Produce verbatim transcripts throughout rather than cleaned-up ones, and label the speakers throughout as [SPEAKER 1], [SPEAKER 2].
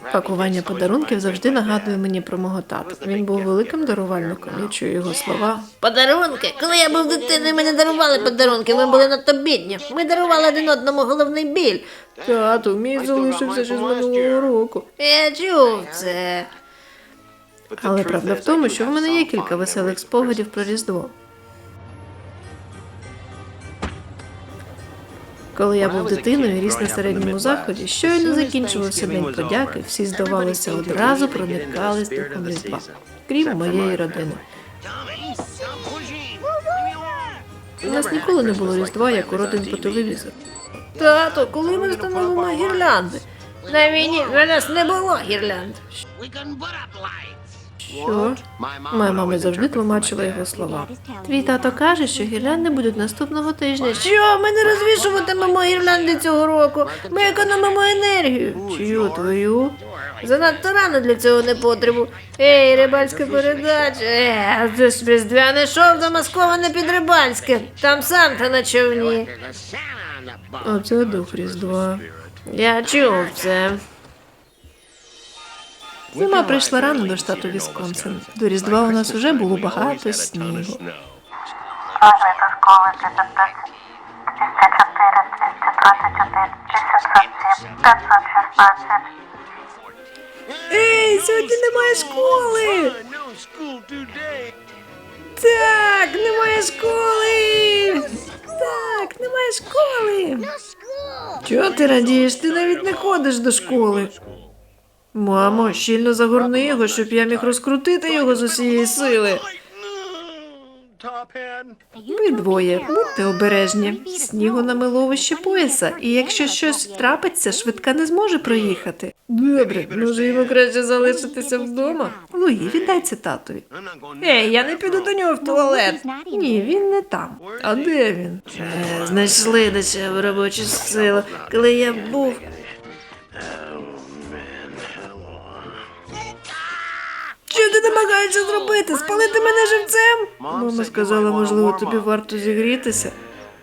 [SPEAKER 1] Пакування подарунків завжди нагадує мені про мого тата. Він був великим дарувальником, я чую його слова.
[SPEAKER 2] Подарунки? Коли я був дитиною, ми не дарували подарунки, ми були надто бідні. Ми дарували один одному головний біль.
[SPEAKER 1] Тату, мій залишився ще з минулого року.
[SPEAKER 2] Я чув це.
[SPEAKER 1] Але правда в тому, що в мене є кілька веселих спогадів про Різдво. Коли я був дитиною і ріс на середньому заході, щойно закінчувався День подяки, всі, здавалося, одразу проникались духом Різдва, крім моєї родини. У нас ніколи не було Різдва, як у родин по телевізору.
[SPEAKER 2] Тато, коли ми встановимо гірлянди? На війні на нас не було гірлянд.
[SPEAKER 1] Що? Моя мама завжди тлумачила його слова. Твій тато каже, що гірлянди будуть наступного тижня.
[SPEAKER 2] Що, ми не розвішуватимемо гірлянди цього року? Ми економимо енергію.
[SPEAKER 1] Чию твою?
[SPEAKER 2] Занадто рано для цього не потребу. Ей, рибальська передача. Е, це ж різдвяне шоу замасковане під рибальське. Там Санта на човні.
[SPEAKER 1] Оце дух Різдва.
[SPEAKER 2] Я чув це.
[SPEAKER 1] Зима прийшла рано до штату Вісконсин. До Різдва у нас вже було багато снігу.
[SPEAKER 3] Позвіть до школи тридцять п'ять, двісті чотири, двісті двадцять один, шістдесят сім, п'ятсот шістнадцять.
[SPEAKER 1] Ей, сьогодні немає школи! Так, немає школи! Так, немає школи! Чого ти радієш? Ти навіть не ходиш до школи. Мамо, щільно загорни його, щоб я міг розкрутити його з усієї сили. Ви двоє, будьте обережні. Снігу намило вище пояса, і якщо щось трапиться, швидка не зможе проїхати. Добре, може йому краще залишитися вдома? Луї, віддай це татові. Ей, я не піду до нього в туалет. Ні, він не там. А де він?
[SPEAKER 2] Е, знайшли дешеву робочу силу. Коли я був...
[SPEAKER 1] Що ти намагаєшся зробити? Спалити мене живцем? Мама сказала, можливо, тобі варто зігрітися.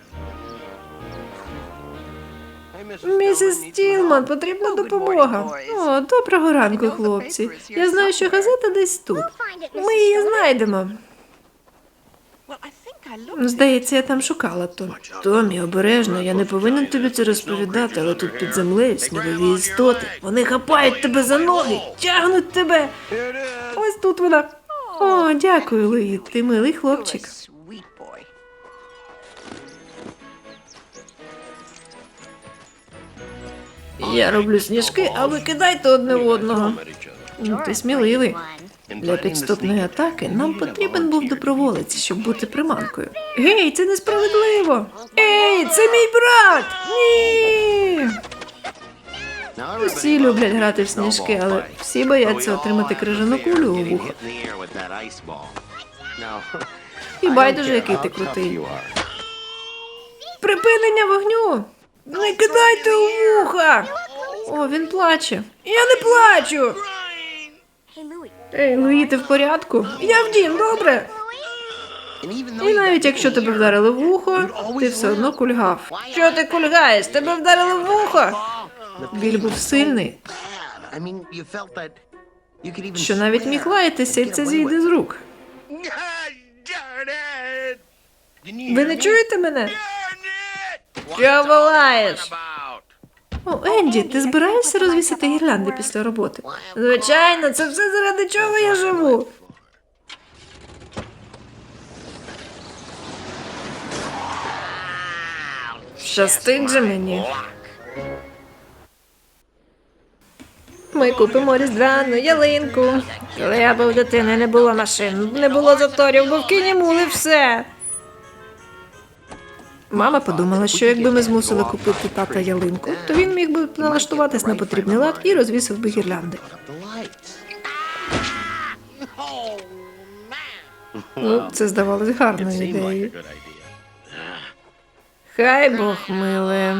[SPEAKER 1] Місіс Стілман, потрібна допомога. О, доброго ранку, хлопці. Я знаю, що газета десь тут. Ми її знайдемо. Здається, я там шукала то. Томі, обережно, я не повинен тобі це розповідати, але тут під землею снігові істоти. Вони хапають тебе за ноги, тягнуть тебе. Ось тут вона. О, дякую, Луї, ти милий хлопчик. Я роблю сніжки, а ви кидайте одне в одного. Ну, ти сміливий. Для підступної атаки нам потрібен був доброволець, щоб бути приманкою. Гей, це несправедливо! Ей, це мій брат! Ні! Всі люблять грати в сніжки, але всі бояться отримати крижану кулю у вухо. І байдуже, який ти крутий. Припинення вогню! Не кидайте у вуха! О, він плаче. Я не плачу! Ей, Луї, ти в порядку? Я в дім, добре? І навіть якщо тебе вдарили в вухо, ти все одно кульгав. Що ти кульгаєш? Тебе вдарили в вухо? Біль був сильний, що навіть міг лаятися, і це зійде з рук. Ви не чуєте мене?
[SPEAKER 2] Що волаєш?
[SPEAKER 1] О, Енді, ти збираєшся розвісити гірлянди після роботи?
[SPEAKER 2] Звичайно, це все заради чого я живу.
[SPEAKER 1] Щастить же мені. Ми купимо різдвяну ялинку.
[SPEAKER 2] Коли я був дитиною, не було машин, не було заторів, бо в кіні мули все.
[SPEAKER 1] Мама подумала, що якби ми змусили купити тата ялинку, то він міг би налаштуватись на потрібний лад і розвісив би гірлянди. Ну, це здавалось гарною ідеєю. Хай Бог миле.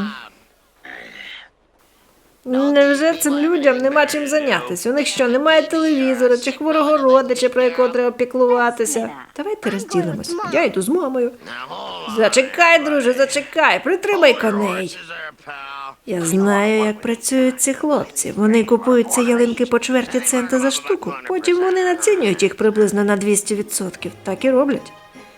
[SPEAKER 2] Невже цим людям нема чим зайнятися? У них що, немає телевізора чи хворого родича, про якого треба піклуватися?
[SPEAKER 1] Давайте розділимось. Я йду з мамою.
[SPEAKER 2] Зачекай, друже, зачекай, притримай коней.
[SPEAKER 1] Я знаю, як працюють ці хлопці. Вони купують ці ялинки по чверті цента за штуку, потім вони націнюють їх приблизно на двісті відсотків. Так і роблять.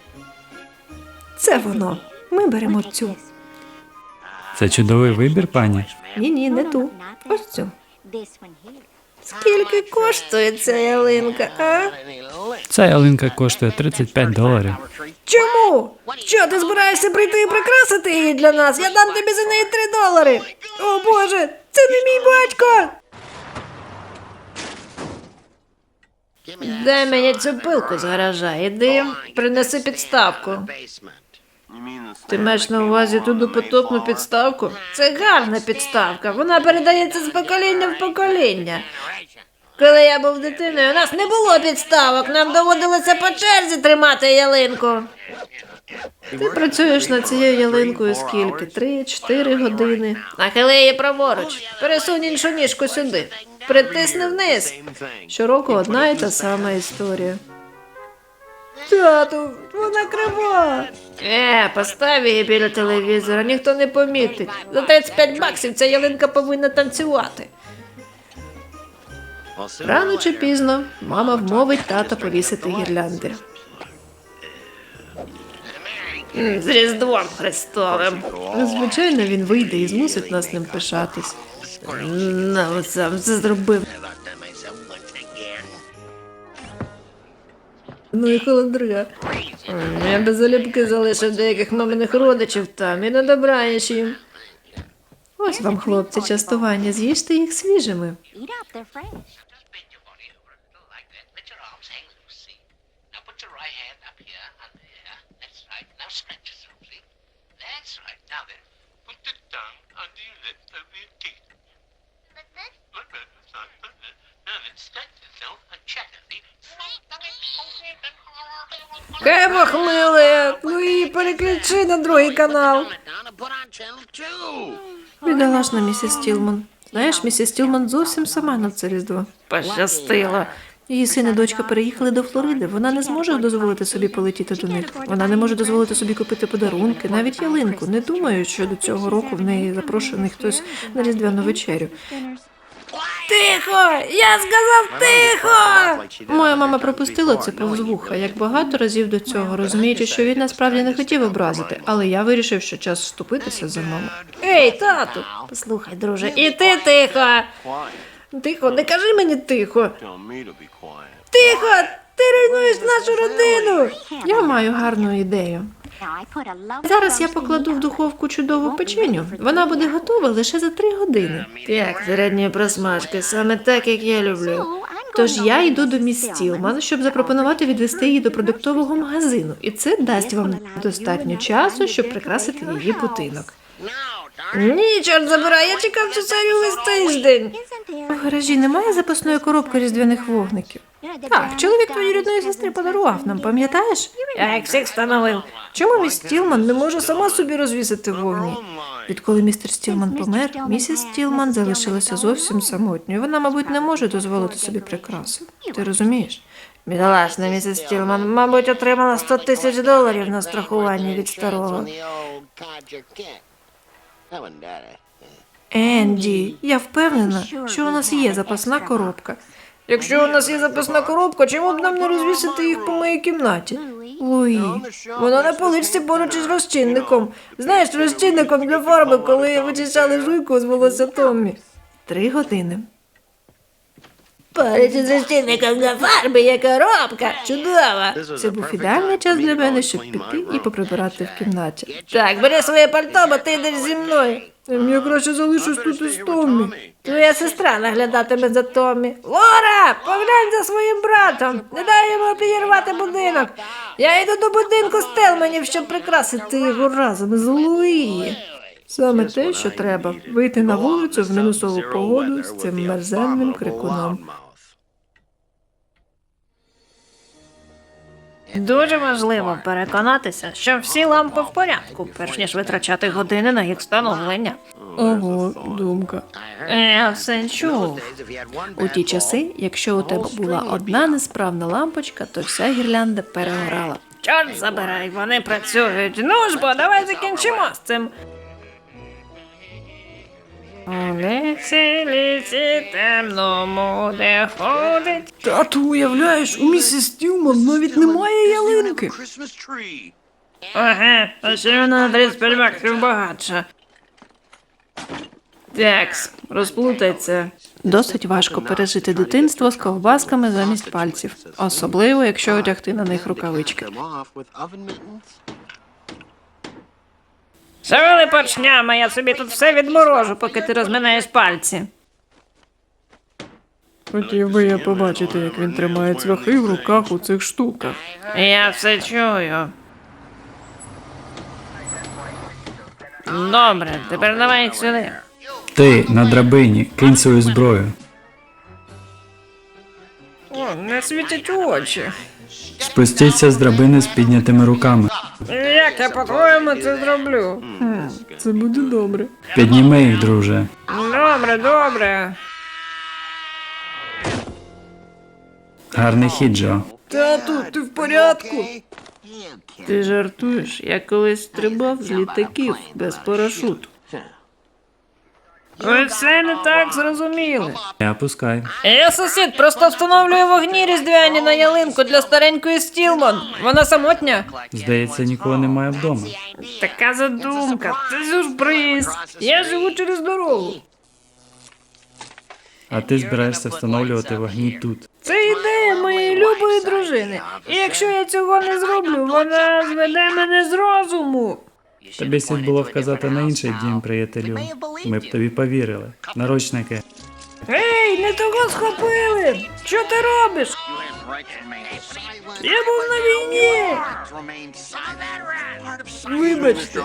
[SPEAKER 1] Це воно. Ми беремо цю.
[SPEAKER 4] Це чудовий вибір, пані.
[SPEAKER 1] Ні-ні, не ту. Ось цю.
[SPEAKER 2] Скільки коштує ця ялинка, а?
[SPEAKER 4] Ця ялинка коштує тридцять п'ять доларів.
[SPEAKER 2] Чому? Що, ти збираєшся прийти і прикрасити її для нас? Я дам тобі за неї три долари. О, Боже, це не мій батько. Дай мені цю пилку з гаража. Іди, принеси підставку. Ти маєш на увазі ту допотопну підставку? Це гарна підставка. Вона передається з покоління в покоління. Коли я був дитиною, у нас не було підставок. Нам доводилося по черзі тримати ялинку.
[SPEAKER 1] Ти працюєш над цією ялинкою скільки? Три-чотири години.
[SPEAKER 2] Нахили її праворуч. Пересунь іншу ніжку сюди. Притисни вниз.
[SPEAKER 1] Щороку одна і та сама історія.
[SPEAKER 2] Тату, вона крива. Е, постав її біля телевізора, ніхто не помітить. За тридцять п'ять баксів ця ялинка повинна танцювати.
[SPEAKER 1] Рано чи пізно мама вмовить тата повісити гірлянди.
[SPEAKER 2] М, З Різдвом Христовим.
[SPEAKER 1] Звичайно, він вийде і змусить нас ним пишатись.
[SPEAKER 2] Ну, сам це зробив.
[SPEAKER 1] Ну і холодря.
[SPEAKER 2] М, Я без залюбки залишив деяких маминих родичів там і на добраніч їм.
[SPEAKER 1] Ось вам, хлопці, частування. З'їжте їх свіжими.
[SPEAKER 5] Eat up, they're fresh.
[SPEAKER 6] Just bend your body over a little like that. Let your arms hang loose, see? Now put your right hand up here, under here. That's right. Now stretch yourself, see? That's right. Now then, put the tongue under your lips over your teeth. Like that? Like that. That's right. Like that. Now then, stretch yourself and chatter, see?
[SPEAKER 2] Кебах, миле, ну і переключи на другий канал.
[SPEAKER 6] Down and put on channel two.
[SPEAKER 1] Бідолашна місіс Тілман. Знаєш, місіс Тілман зовсім сама на це Різдво.
[SPEAKER 2] Пощастило.
[SPEAKER 1] Її син і дочка переїхали до Флориди. Вона не зможе дозволити собі полетіти до них. Вона не може дозволити собі купити подарунки, навіть ялинку. Не думаю, що до цього року в неї запрошений хтось на різдвяну вечерю.
[SPEAKER 2] Тихо! Я сказав тихо!
[SPEAKER 1] Моя мама пропустила це повз вуха, як багато разів до цього, розуміючи, що він насправді не хотів образити, але я вирішив, що час вступитися за маму.
[SPEAKER 2] Ей, тату, послухай, друже, і ти тихо. Тихо, не кажи мені тихо. Тихо, ти руйнуєш нашу родину.
[SPEAKER 1] Я маю гарну ідею.
[SPEAKER 5] Now I put a lovely
[SPEAKER 1] Зараз я
[SPEAKER 5] roasted
[SPEAKER 1] покладу в духовку чудову печеню. Вона буде готова лише за три години.
[SPEAKER 2] Так, середньої просмажки, саме так, як я люблю.
[SPEAKER 5] So I'm
[SPEAKER 1] Тож
[SPEAKER 5] going
[SPEAKER 1] я
[SPEAKER 5] over
[SPEAKER 1] йду
[SPEAKER 5] to
[SPEAKER 1] до
[SPEAKER 5] Miss
[SPEAKER 1] міс
[SPEAKER 5] Stillman.
[SPEAKER 1] Стілман, щоб запропонувати відвести її до продуктового магазину. І це дасть вам достатньо часу, щоб прикрасити її будинок.
[SPEAKER 2] Ні, чорт забирай, я чекав цю серію весь тиждень.
[SPEAKER 5] Isn't
[SPEAKER 1] У
[SPEAKER 5] there?
[SPEAKER 1] гаражі немає запасної коробки різдвяних вогників. Так, чоловік твоєї рідної сестри подарував нам, пам'ятаєш?
[SPEAKER 2] Я як всіх встановив.
[SPEAKER 1] Чому міс Стілман не може сама собі розвісити вогні? Відколи містер Стілман помер, місіс Стілман залишилася зовсім самотньою. Вона, мабуть, не може дозволити собі прикраси. Ти розумієш?
[SPEAKER 2] Бідолашна місіс Стілман, мабуть, отримала сто тисяч доларів на страхування від старого.
[SPEAKER 1] Енді, я впевнена, що у нас є запасна коробка.
[SPEAKER 2] Якщо у нас є запасна коробка, чому б нам не розвісити їх по моїй кімнаті?
[SPEAKER 1] Луї,
[SPEAKER 2] Вона на поличці поруч із розчинником. Знаєш, розчинником для фарби, коли вичищали жуйку з волосся Томмі.
[SPEAKER 1] три години.
[SPEAKER 2] Поруч із розчинником для фарби є коробка. Чудово.
[SPEAKER 1] Це був ідеальний час для мене, щоб піти і поприбирати в кімнаті.
[SPEAKER 2] Так, бери своє пальто, бо ти йдеш зі мною.
[SPEAKER 1] Я краще залишусь тут із Томмі.
[SPEAKER 2] Твоя сестра наглядатиме за Томмі. Лора, поглянь за своїм братом. Не дай йому підірвати будинок. Я йду до будинку Стелманів, щоб прикрасити його разом з Луї.
[SPEAKER 1] Саме те, що треба – вийти на вулицю в мінусову погоду з цим мерзенним крикуном.
[SPEAKER 2] Дуже важливо переконатися, що всі лампи в порядку, перш ніж витрачати години на їх встановлення.
[SPEAKER 1] Ого, думка.
[SPEAKER 2] Я все чув.
[SPEAKER 1] У ті часи, якщо у тебе була одна несправна лампочка, то вся гірлянда перегорала.
[SPEAKER 2] Чорт забирай, вони працюють. Ну ж бо, давай закінчимо з цим. У лісі, лісі темному, де ходить.
[SPEAKER 1] Тату, уявляєш, у місіс Стілман навіть немає ялинки.
[SPEAKER 2] Ага, а ще вона на тридцять п'ять баксів багатша. Такс, розплутайся.
[SPEAKER 1] Досить важко пережити дитинство з ковбасками замість пальців, особливо якщо одягти на них рукавички.
[SPEAKER 2] Шевели поршнями, я собі тут все відморожу, поки ти розминаєш пальці.
[SPEAKER 1] Хотів би я побачити, як він тримає цвяхи в руках у цих штуках.
[SPEAKER 2] Я все чую. Добре, тепер давай їх сюди.
[SPEAKER 4] Ти на драбині, кинь свою зброю.
[SPEAKER 2] О, не світять очі.
[SPEAKER 4] Спустіться з драбини з піднятими руками.
[SPEAKER 2] Як я по-твоєму це зроблю?
[SPEAKER 1] Це буде добре.
[SPEAKER 4] Підніми їх, друже.
[SPEAKER 2] Добре, добре.
[SPEAKER 4] Гарний хід, Джо.
[SPEAKER 1] Тату, ти в порядку?
[SPEAKER 2] Ти жартуєш, я колись стрибав з літаків без парашуту. Ви все не так зрозуміли.
[SPEAKER 4] Не опускай.
[SPEAKER 2] Я сусід просто встановлює вогні різдвяні на ялинку для старенької Стілман. Вона самотня.
[SPEAKER 4] Здається, нікого немає вдома.
[SPEAKER 2] Така задумка, це сюрприз. Я живу через дорогу.
[SPEAKER 4] А ти збираєшся встановлювати вогні тут.
[SPEAKER 2] Це ідея моєї любої дружини. І якщо я цього не зроблю, вона зведе мене з розуму.
[SPEAKER 4] Тобі слід було вказати на інший дім, приятелю. Ми б тобі повірили. Наручники.
[SPEAKER 2] Ей, не того схопили! Що ти робиш? Я був на війні!
[SPEAKER 1] Вибачте.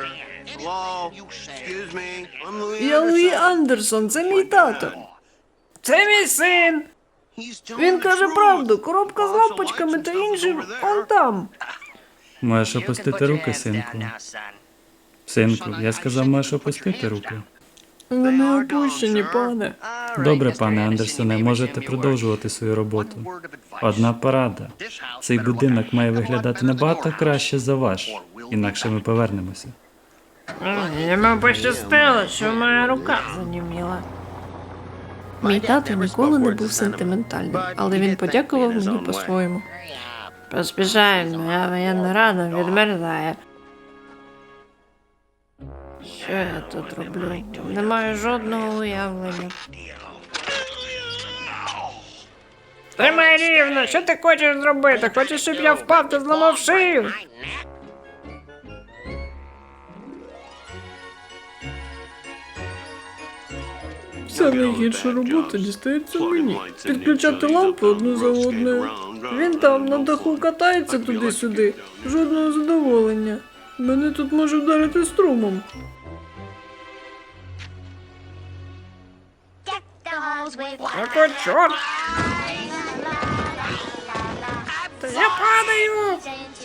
[SPEAKER 1] Я Луї Андерсон, це мій тато.
[SPEAKER 2] Це мій син!
[SPEAKER 1] Він каже правду, коробка з лампочками та іншим он там.
[SPEAKER 4] Можеш опустити руки, синку. Синку, я сказав, можеш опустити руки.
[SPEAKER 1] Вони опущені, пане.
[SPEAKER 4] Добре, пане Андерсоне, можете продовжувати свою роботу. Одна порада. Цей будинок має виглядати набагато краще за ваш, інакше ми повернемося.
[SPEAKER 2] Йому пощастило, що моя рука заніміла.
[SPEAKER 1] Мій тато ніколи не був сентиментальним, але він подякував мені по-своєму.
[SPEAKER 2] Поспішаємо, моя воєнна рада відмерзає. Що я тут роблю? Не маю жодного уявлення. Тримай рівно, що ти хочеш зробити? Хочеш, щоб я впав та зламав шию?
[SPEAKER 1] Вся найгірша робота дістається мені. Підключати лампи одну за одною. Він там на даху катається туди-сюди. Жодного задоволення. Мене тут може вдарити струмом.
[SPEAKER 2] Який чорт? Та я падаю!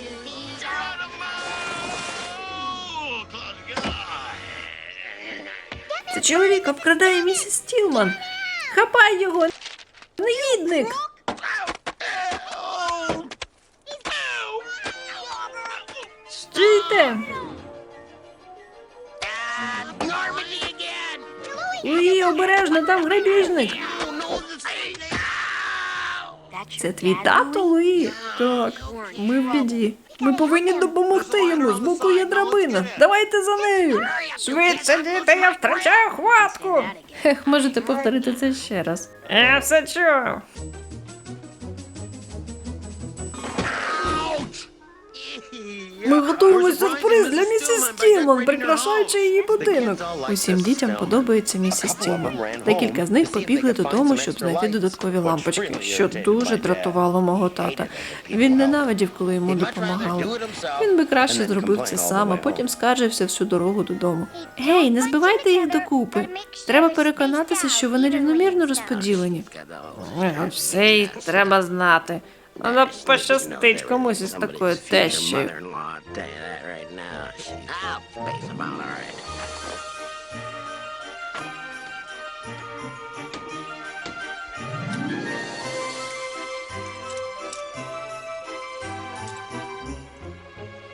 [SPEAKER 1] Це чоловік обкрадає місіс Стілман. Хапай його, негідник!
[SPEAKER 2] Стійте!
[SPEAKER 1] Луї, обережно, там грабіжник. Це твій тато, Луї? Так, ми в біді. Ми повинні допомогти йому, з боку є драбина. Давайте за нею.
[SPEAKER 2] Швидше, діти, я втрачаю хватку!
[SPEAKER 1] Ех, можете повторити це ще раз.
[SPEAKER 2] Я все чую.
[SPEAKER 1] Ми готуємо сюрприз для місіс Стілман, прикрашаючи її будинок. Усім дітям подобається місіс Стілман. Декілька з них побігли додому, щоб знайти додаткові лампочки, що дуже дратувало мого тата. Він ненавидів, коли йому допомагали. Він би краще зробив це сам, а потім скаржився всю дорогу додому. Гей, не збивайте їх докупи. Треба переконатися, що вони рівномірно розподілені.
[SPEAKER 2] Все й треба знати. Вона пощастить комусь із такою тещею.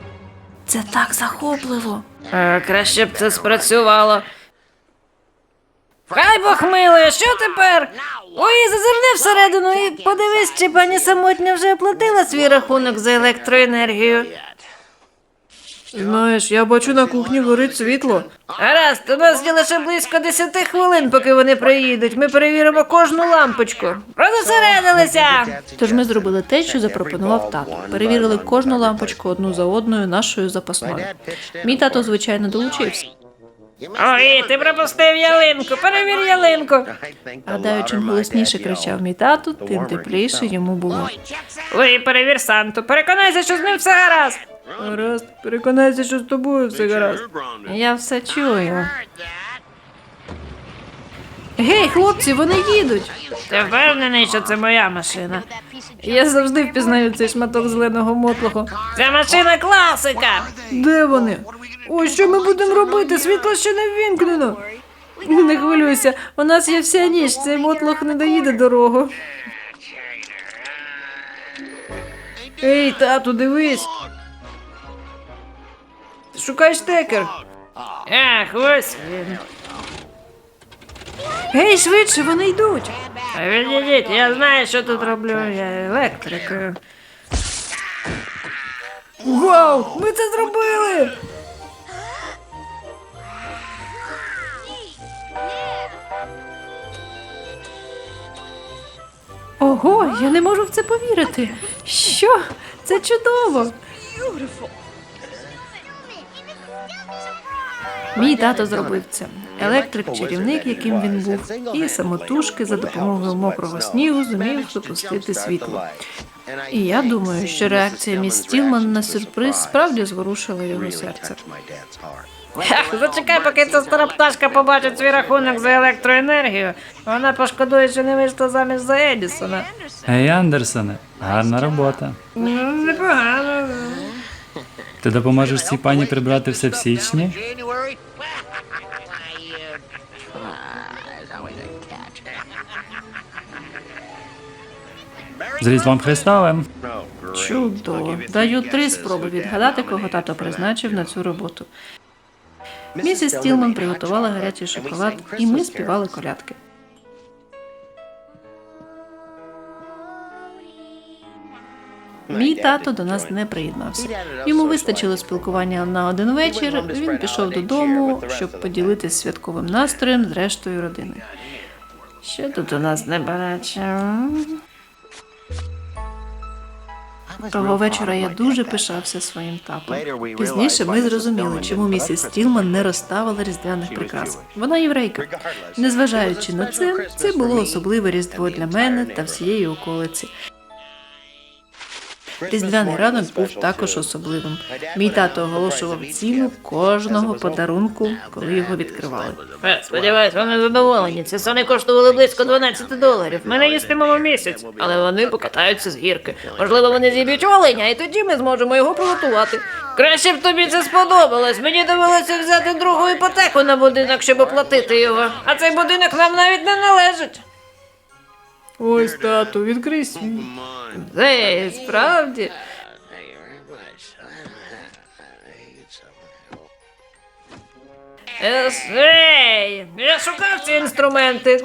[SPEAKER 1] Це так захопливо.
[SPEAKER 2] Е, краще б це спрацювало. Хай Бог милує, що тепер? Ой, зазирни всередину і подивись, чи пані самотня вже оплатила свій рахунок за електроенергію.
[SPEAKER 1] Знаєш, я бачу на кухні горить світло.
[SPEAKER 2] Гаразд, у нас є лише близько десяти хвилин, поки вони приїдуть. Ми перевіримо кожну лампочку. Розосередилися!
[SPEAKER 1] Тож ми зробили те, що запропонував тато. Перевірили кожну лампочку одну за одною нашою запасною. Мій тато, звичайно, долучився.
[SPEAKER 2] Ой, ти пропустив ялинку, перевір ялинку.
[SPEAKER 1] Гадаю, чим голосніше кричав мій тато, тим тепліше йому було.
[SPEAKER 2] Ой, перевір Санту, переконайся, що з ним все гаразд.
[SPEAKER 1] Гаразд, переконайся, що з тобою все гаразд. Я все чую. Гей, хлопці, вони їдуть!
[SPEAKER 2] Ти впевнений, що це моя машина?
[SPEAKER 1] Я завжди впізнаю цей шматок зеленого мотлоху.
[SPEAKER 2] Це машина класика!
[SPEAKER 1] Де вони? Ой, що ми будемо робити? Світло ще не ввімкнено. Не хвилюйся, у нас є вся ніч, цей мотлох не доїде дорогу. Ей, тату, дивись. Шукай штекер.
[SPEAKER 2] Ах, ось він.
[SPEAKER 1] Гей, швидше, вони йдуть.
[SPEAKER 2] Відійдіть, я знаю, що тут роблю, я електрик.
[SPEAKER 1] Вау, ми це зробили! Ого, я не можу в це повірити. Що? Це чудово. Мій тато зробив це. Електрик-чарівник, яким він був, і самотужки за допомогою мокрого снігу зумів запустити світло. І я думаю, що реакція міс Стілман на сюрприз справді зворушила його серце.
[SPEAKER 2] Ах, зачекай, поки ця стара пташка побачить свій рахунок за електроенергію. Вона пошкодує, що не вийшла заміж за Едісона.
[SPEAKER 4] Гей, Андерсоне, гарна робота.
[SPEAKER 2] Ну, непогано.
[SPEAKER 4] Ти допоможеш цій пані прибрати все в січні?
[SPEAKER 6] January?
[SPEAKER 4] З Різдвом Христовим!
[SPEAKER 1] Чудово. Даю три спроби відгадати, кого тато призначив на цю роботу. Місіс Стілман приготувала гарячий шоколад, і ми співали колядки. Мій тато до нас не приєднався. Йому вистачило спілкування на один вечір, він пішов додому, щоб поділитися святковим настроєм з рештою родини.
[SPEAKER 2] Що тут у нас не бачимо?
[SPEAKER 1] Того вечора я дуже пишався своїм татом. Пізніше ми зрозуміли, чому місіс Стілман не розставила різдвяних прикрас. Вона єврейка. Незважаючи на це, це було особливе різдво для мене та всієї околиці. Різдвяний ранок був також особливим. Мій тато оголошував ціну кожного подарунку, коли його відкривали.
[SPEAKER 2] Е, Сподіваюсь, вони задоволені. Ці сони коштували близько дванадцять доларів. Ми не їстимемо місяць, але вони покатаються з гірки. Можливо, вони зіб'ють оленя, і тоді ми зможемо його приготувати. Краще б тобі це сподобалось. Мені довелося взяти другу іпотеку на будинок, щоб оплатити його. А цей будинок нам навіть не належить.
[SPEAKER 1] Ось, тату, відкрий свій.
[SPEAKER 2] Ей, справді. Ес- Ей, я шукав ці інструменти.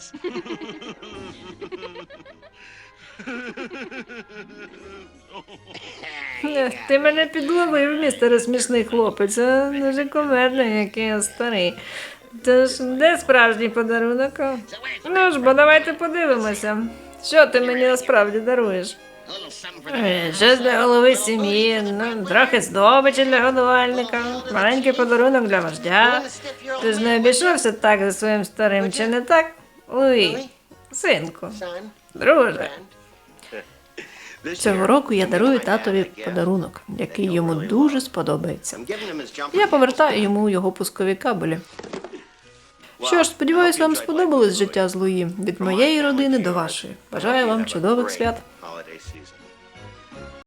[SPEAKER 2] Ех, Ти мене підловив, містере смішний хлопець, а дуже комедний, який я старий. Тож, де справжній подарунок? Ну ж, бо давайте подивимося. Що ти мені насправді даруєш? Е, Щось для голови сім'ї, ну, трохи здобичі для годувальника, маленький подарунок для вождя. Ти ж не обійшовся так за своїм старим, чи не так? Луї, синку, друже.
[SPEAKER 1] Цього року я дарую татові подарунок, який йому дуже сподобається. Я повертаю йому його пускові кабелі. Що ж, сподіваюсь, вам сподобалось життя з Луї від моєї родини до вашої. Бажаю вам чудових свят.